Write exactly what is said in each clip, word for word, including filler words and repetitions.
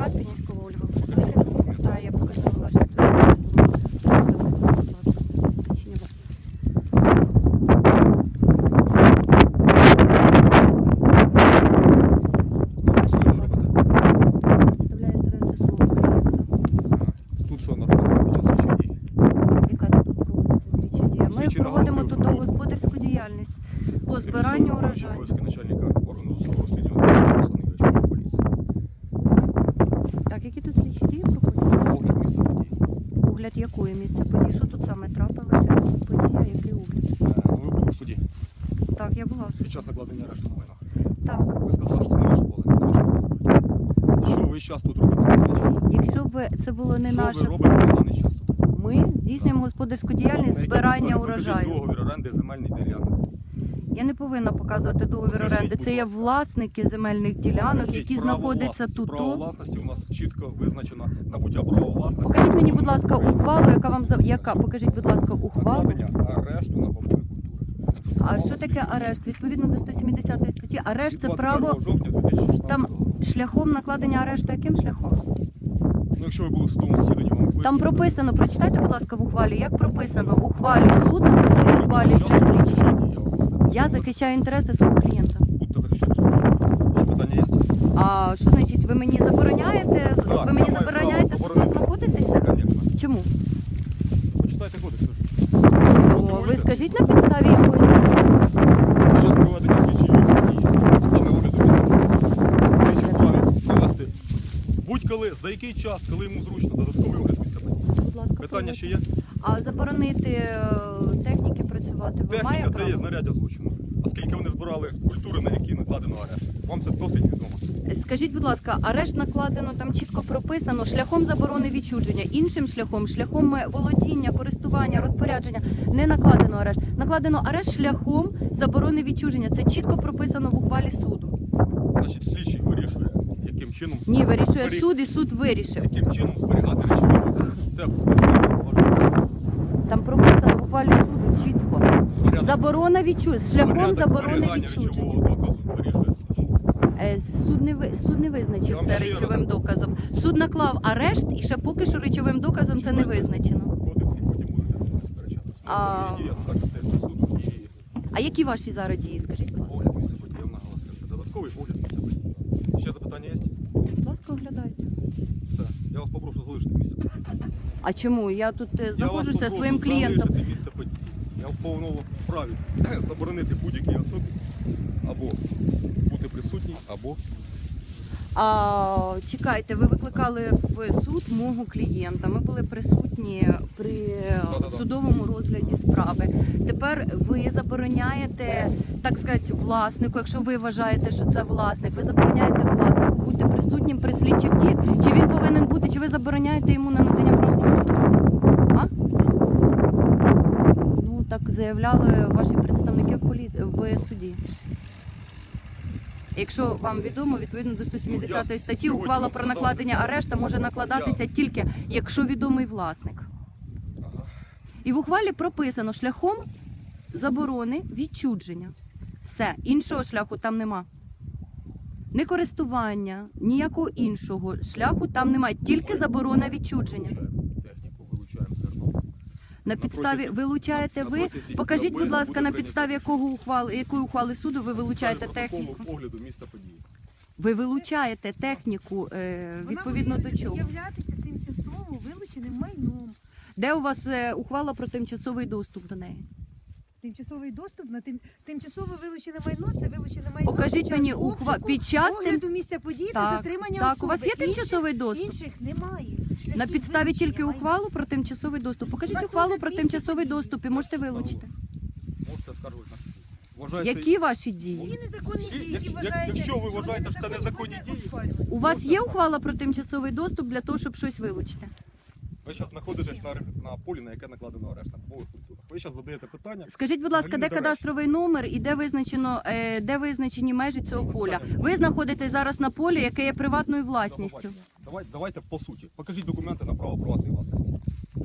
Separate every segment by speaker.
Speaker 1: Карпінівського Ольга Олександрівна. Так, я показала ваше свідчення. Представляє інтереси свого клієнта.
Speaker 2: Тут що на роботі під час слідчої дії?
Speaker 1: Яка тут проводиться слідча дія? Ми
Speaker 2: Слідчий
Speaker 1: проводимо
Speaker 2: наголосив,
Speaker 1: тут
Speaker 2: що-
Speaker 1: господарську діяльність по збиранню урожаю.
Speaker 2: Обов'язки начальника органу досудового розслідування Руслана Ігоревича поліції.
Speaker 1: Так, які тут слідчі дії проходять?
Speaker 2: Огляд місця події.
Speaker 1: Огляд якої місця події? Що тут саме трапилося? Подія, який огляд?
Speaker 2: Е, ну, ви були в суді
Speaker 1: Так, я була в суді.
Speaker 2: під час накладення арешту на майна.
Speaker 1: Так.
Speaker 2: Ви сказали, що це не ваше поле, не ваше поле. Що ви зараз тут робите на даний час?
Speaker 1: Якщо б це було не
Speaker 2: Що
Speaker 1: наше,
Speaker 2: ви робите на даний час тут?
Speaker 1: ми здійснюємо господарську діяльність
Speaker 2: На якій
Speaker 1: збирання
Speaker 2: підставі?
Speaker 1: урожаю.
Speaker 2: Покажіть договір оренди земельних ділянок.
Speaker 1: Я не повинна показувати договір
Speaker 2: Покажіть,
Speaker 1: оренди.
Speaker 2: будь
Speaker 1: Це є
Speaker 2: ласка.
Speaker 1: власники земельних ділянок,
Speaker 2: Покажіть
Speaker 1: які
Speaker 2: право
Speaker 1: знаходяться
Speaker 2: власності.
Speaker 1: тут.
Speaker 2: Право власності у нас чітко визначено набуття права власності.
Speaker 1: Покажіть мені, будь ласка, ухвалу, яка вам за яка? Покажіть, будь ласка, ухвалу.
Speaker 2: Накладення арешту на бабові культури.
Speaker 1: А що таке арешт? Відповідно до сто сімдесятої статті, арешт це право
Speaker 2: жовтня дві тисячі шістнадцятого
Speaker 1: там
Speaker 2: року.
Speaker 1: шляхом накладення арешту. Яким шляхом?
Speaker 2: Ну, якщо ви були в судовому засіданні, вам ви-
Speaker 1: Там прописано, прочитайте, будь ласка, в ухвалі, як прописано в ухвалі суд написав в ухвалі
Speaker 2: Щас
Speaker 1: для
Speaker 2: ви
Speaker 1: слідчого.
Speaker 2: захищаєте, я вам-
Speaker 1: Я захищаю інтереси свого клієнта.
Speaker 2: Будьте захищати. Ще питання є?
Speaker 1: А що значить, ви мені забороняєте?
Speaker 2: Так,
Speaker 1: Ви
Speaker 2: я
Speaker 1: мені
Speaker 2: маю
Speaker 1: забороняєте
Speaker 2: право
Speaker 1: тут
Speaker 2: заборонити.
Speaker 1: знаходитися?
Speaker 2: Конечно.
Speaker 1: Чому?
Speaker 2: Почитайте кодекс.
Speaker 1: О, ви скажіть на підставі якої?
Speaker 2: Під час проведення слідчої дії, а саме огляду місця, слідчі вправі провести будь-коли, за який час, коли йому зручно, додатковий огляд місця події.
Speaker 1: Будь ласка,
Speaker 2: Питання ще є?
Speaker 1: А заборонити е, техніки працювати ви має
Speaker 2: Техніка це є
Speaker 1: право?
Speaker 2: знаряддя злочину. Оскільки вони збирали культури, на які накладено арешт. Вам це досить відомо.
Speaker 1: Скажіть, будь ласка, арешт накладено, там чітко прописано, шляхом заборони відчуження, іншим шляхом, шляхом е, володіння, користування, розпорядження, не накладено арешт. Накладено арешт шляхом заборони відчуження. Це чітко прописано в ухвалі суду.
Speaker 2: Значить, слідчий вирішує, яким чином,
Speaker 1: Ні, вирішує
Speaker 2: Зберіг-
Speaker 1: суд і суд вирішив.
Speaker 2: яким чином зберігати речові докази. Це порушення важливо.
Speaker 1: Там прописано в ухвалі суду чітко.
Speaker 2: Порядок-
Speaker 1: Заборона відчуження, шляхом
Speaker 2: порядок
Speaker 1: заборони
Speaker 2: зберігання
Speaker 1: відчуження.
Speaker 2: речового доказу вирішує слідчий.
Speaker 1: Е, Суд не ви суд не
Speaker 2: Я
Speaker 1: визначив
Speaker 2: вам
Speaker 1: це
Speaker 2: ще
Speaker 1: речовим
Speaker 2: раз-
Speaker 1: доказом. Суд наклав арешт і ще поки що речовим доказом це не
Speaker 2: Читайте
Speaker 1: визначено.
Speaker 2: Кодекс і потім будете з ним сперечатися.
Speaker 1: А-
Speaker 2: Є скажете до суду і
Speaker 1: А які ваші зараз дії? Скажіть, будь ласка.
Speaker 2: огляд місця події. Я вам наголосив. Це додатковий огляд місця події. Ще запитання є?
Speaker 1: Будь ласка, оглядайте.
Speaker 2: Все. Я вас попрошу залишити місце події.
Speaker 1: А чому? Я тут е,
Speaker 2: Я вас
Speaker 1: знаходжуся
Speaker 2: попрошу
Speaker 1: своїм клієнтом.
Speaker 2: залишити місце події. Я в повному праві заборонити будь-якій особі або бути присутній, або
Speaker 1: А, чекайте, ви викликали в суд мого клієнта. Ми були присутні при
Speaker 2: Да-да-да.
Speaker 1: судовому розгляді справи. Тепер ви забороняєте, так сказати, власнику, якщо ви вважаєте, що це власник, ви забороняєте власнику бути присутнім при слідчих діях. Чи він повинен бути, чи ви забороняєте йому на надання послуг? А? Ну, так заявляли ваші представники в, полі... в суді. Якщо вам відомо, відповідно до сто сімдесятої статті,
Speaker 2: Сьогодні
Speaker 1: ухвала
Speaker 2: вам
Speaker 1: про
Speaker 2: сказали.
Speaker 1: накладення арешта може накладатися тільки, якщо відомий власник.
Speaker 2: ага.
Speaker 1: І в ухвалі прописано шляхом заборони відчуження. Все, іншого шляху там нема. Не користування, ніякого іншого шляху там немає, тільки заборона відчуження.
Speaker 2: Вилучаємо техніку, вилучаємо зерно.
Speaker 1: На підставі
Speaker 2: протязі-
Speaker 1: вилучаєте
Speaker 2: на
Speaker 1: ви,
Speaker 2: протязі
Speaker 1: покажіть,
Speaker 2: доби
Speaker 1: будь ласка,
Speaker 2: буде
Speaker 1: на
Speaker 2: прийнято
Speaker 1: підставі якого ухвали, якої ухвали суду ви вилучаєте
Speaker 2: Протоколу
Speaker 1: техніку.
Speaker 2: огляду місця події.
Speaker 1: Ви вилучаєте техніку е, відповідно до чого?
Speaker 3: Являтися тимчасово вилученим майном.
Speaker 1: Де у вас е, ухвала про тимчасовий доступ до неї?
Speaker 3: Тимчасовий доступ на тим тимчасово вилучене майно це вилучене майно.
Speaker 1: Покажіть
Speaker 3: під час
Speaker 1: мені
Speaker 3: обшуку,
Speaker 1: ухва під час тим...
Speaker 3: огляду місця події та
Speaker 1: Так,
Speaker 3: затримання
Speaker 1: так,
Speaker 3: особи.
Speaker 1: у вас є
Speaker 3: Інших-
Speaker 1: тимчасовий доступ?
Speaker 3: Інших немає. Шляхів
Speaker 1: На підставі
Speaker 3: вилучення
Speaker 1: тільки
Speaker 3: майна.
Speaker 1: ухвалу про тимчасовий доступ. Покажіть
Speaker 3: У вас
Speaker 1: ухвалу
Speaker 3: огляд
Speaker 1: про
Speaker 3: місця
Speaker 1: тимчасовий
Speaker 3: події.
Speaker 1: доступ і можете вилучити.
Speaker 2: Можете скаржувати на суд. Вважаєте,
Speaker 1: Які ваші дії?
Speaker 3: Ті незаконні
Speaker 2: Як-
Speaker 3: дії, які
Speaker 2: як-
Speaker 3: вважаєте,
Speaker 2: якщо ви
Speaker 3: що вони
Speaker 2: вважаєте, що це незаконні
Speaker 3: можна
Speaker 2: дії,
Speaker 3: оспарювати.
Speaker 1: У вас є ухвала про тимчасовий доступ для того, щоб щось вилучити?
Speaker 2: ви зараз знаходитесь на, на полі, на яке накладено арешт на бобових культурах. Ви зараз задаєте питання.
Speaker 1: Скажіть, будь ласка, де
Speaker 2: Взагалі не
Speaker 1: кадастровий номер і де визначено, е, де визначені межі цього поля? Ви знаходитесь зараз на полі, яке є приватною власністю.
Speaker 2: Давайте, давайте по суті. Покажіть документи на право приватної власності.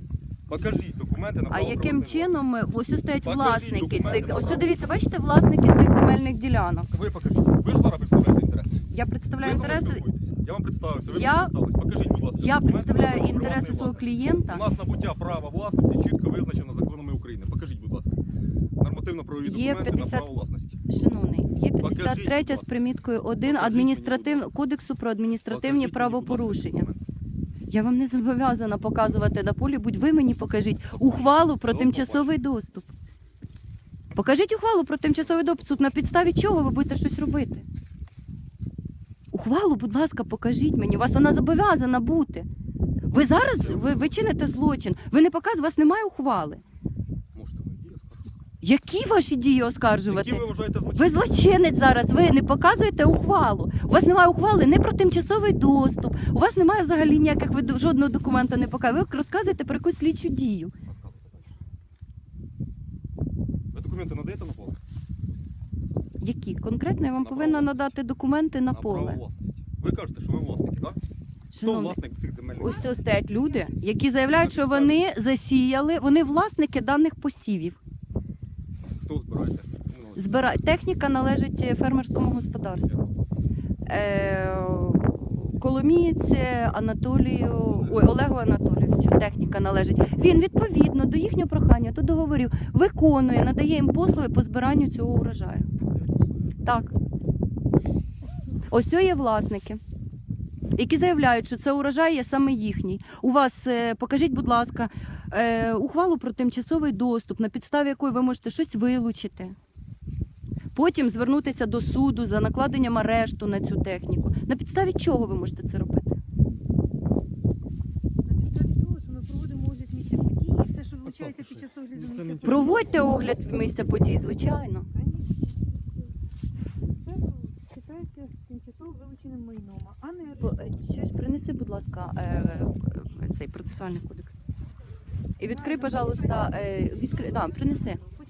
Speaker 2: Покажіть документи на
Speaker 1: А
Speaker 2: право
Speaker 1: яким
Speaker 2: приватної
Speaker 1: чином ми- ось ось стоять
Speaker 2: Покажіть
Speaker 1: власники
Speaker 2: документи
Speaker 1: цих?
Speaker 2: на
Speaker 1: Ось
Speaker 2: право.
Speaker 1: дивіться, бачите, власники цих земельних ділянок.
Speaker 2: власності. Ви покажіть. Ви ж зараз представляєте інтереси.
Speaker 1: Я представляю
Speaker 2: Ви зі мною
Speaker 1: інтереси.
Speaker 2: спілкуєтеся. Я вам представився, ви
Speaker 1: Я-
Speaker 2: мені представились. Покажіть, будь ласка.
Speaker 1: Я
Speaker 2: документи на
Speaker 1: представляю
Speaker 2: право
Speaker 1: інтереси
Speaker 2: приватної
Speaker 1: свого
Speaker 2: власності.
Speaker 1: клієнта.
Speaker 2: У нас набуття права власності чітко визначено законами України. Покажіть, будь ласка. Нормативно-правові
Speaker 1: Є
Speaker 2: документи
Speaker 1: п'ятдесят
Speaker 2: на право власності.
Speaker 1: Шановний, є
Speaker 2: Покажіть,
Speaker 1: п'ятдесят третя
Speaker 2: будь
Speaker 1: з
Speaker 2: ласка.
Speaker 1: приміткою один
Speaker 2: Покажіть мені,
Speaker 1: адміністратив...
Speaker 2: будь
Speaker 1: кодексу про адміністративні
Speaker 2: Покажіть мені, будь ласка,
Speaker 1: правопорушення.
Speaker 2: документи.
Speaker 1: Я вам не зобов'язана показувати на полі, будь ви мені покажіть ухвалу про
Speaker 2: До
Speaker 1: тимчасовий доступ. Покажіть ухвалу про тимчасовий доступ, на підставі чого ви будете щось робити. Ухвалу, будь ласка, покажіть мені. У вас вона зобов'язана бути. Ви зараз ви, ви чините злочин. Ви не показуєте, у вас немає ухвали.
Speaker 2: Можете мої дії оскаржити.
Speaker 1: Які ваші дії оскаржувати?
Speaker 2: Які ви вважаєте
Speaker 1: Ви
Speaker 2: злочинними?
Speaker 1: злочинець зараз, ви не показуєте ухвалу. У вас немає ухвали не про тимчасовий доступ. У вас немає взагалі ніяких, ви жодного документа не показуєте. Ви розказуєте про якусь слідчу дію.
Speaker 2: Ви документи надаєте на поле?
Speaker 1: Які? Конкретно я вам
Speaker 2: На
Speaker 1: повинна
Speaker 2: право
Speaker 1: надати документи на
Speaker 2: право
Speaker 1: поле.
Speaker 2: власності. Ви кажете, що ви власники, так? Хто
Speaker 1: Шановний,
Speaker 2: власник цих земельних?
Speaker 1: ось це стоять люди, які заявляють, що вони засіяли, вони власники даних посівів.
Speaker 2: Хто збираєте? Ну,
Speaker 1: Збира... Техніка належить фермерському господарству. Е... Коломієць Анатолію, ой, Олегу Анатолійовичу техніка належить. Він відповідно до їхнього прохання, до договорів, виконує, надає їм послуги по збиранню цього урожаю. Так. Ось це є власники, які заявляють, що це урожай є саме їхній. У вас, е, покажіть, будь ласка, е, ухвалу про тимчасовий доступ, на підставі якої ви можете щось вилучити. Потім звернутися до суду за накладенням арешту на цю техніку. На підставі чого ви можете це робити?
Speaker 3: На підставі того, що ми проводимо огляд місця події, і все, що вилучається під час огляду
Speaker 2: Це
Speaker 3: місця
Speaker 2: не
Speaker 3: події.
Speaker 1: Проводьте огляд місця подій, звичайно.
Speaker 3: Це вважається тимчасово вилученим майном, а не
Speaker 1: По- е, Ще ж принеси, будь ласка, е, е, цей процесуальний кодекс. І відкрий, пожалуйста, е, відкрий, да, принеси.